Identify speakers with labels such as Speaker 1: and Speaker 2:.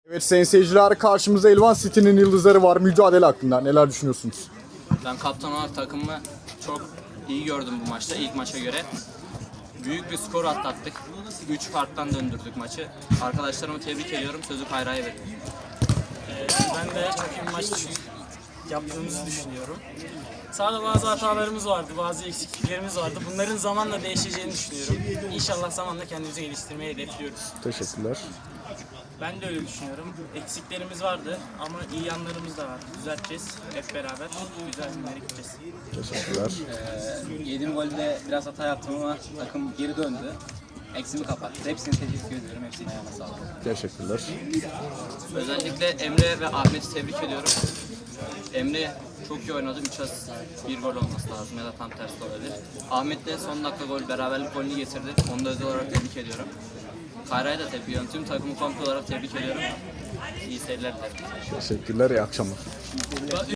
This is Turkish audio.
Speaker 1: Evet sayın seyirciler, karşımızda Elvan City'nin yıldızları var. Mücadele hakkında neler düşünüyorsunuz?
Speaker 2: Ben kaptan olarak takımımı çok iyi gördüm bu maçta, ilk maça göre. Büyük bir skor atlattık. 3 farktan döndürdük maçı. Arkadaşlarımı tebrik ediyorum. Sözü Kayra'ya verdim.
Speaker 3: Ben de çok iyi bir maç yaptığımızı düşünüyorum. Sahada bazı hatalarımız vardı, bazı eksikliklerimiz vardı. Bunların zamanla değişeceğini düşünüyorum. İnşallah zamanla kendimizi geliştirmeyi hedefliyoruz.
Speaker 1: Teşekkürler.
Speaker 3: Ben de öyle düşünüyorum. Eksiklerimiz vardı ama iyi yanlarımız da var. Düzelteceğiz hep beraber. Güzel günlere gideceğiz.
Speaker 1: Teşekkürler.
Speaker 2: Yediğim golde biraz hata yaptım ama takım geri döndü. Eksimi kapattı. Hepsini tebrik ediyorum. Hepsinin ayağına sağlık.
Speaker 1: Teşekkürler.
Speaker 2: Özellikle Emre ve Ahmet'i tebrik ediyorum. Emre çok iyi oynadı. 3 asist, 1 gol olması lazım ya da tam tersi olabilir. Ahmet de son dakika gol, beraberlik golünü getirdi. Onu da özel olarak tebrik ediyorum. Kayra'ya da tebrik ediyorum. Tüm takımı komple olarak tebrik ediyorum. İyi seyirler dilerim.
Speaker 1: Teşekkürler. İyi akşamlar.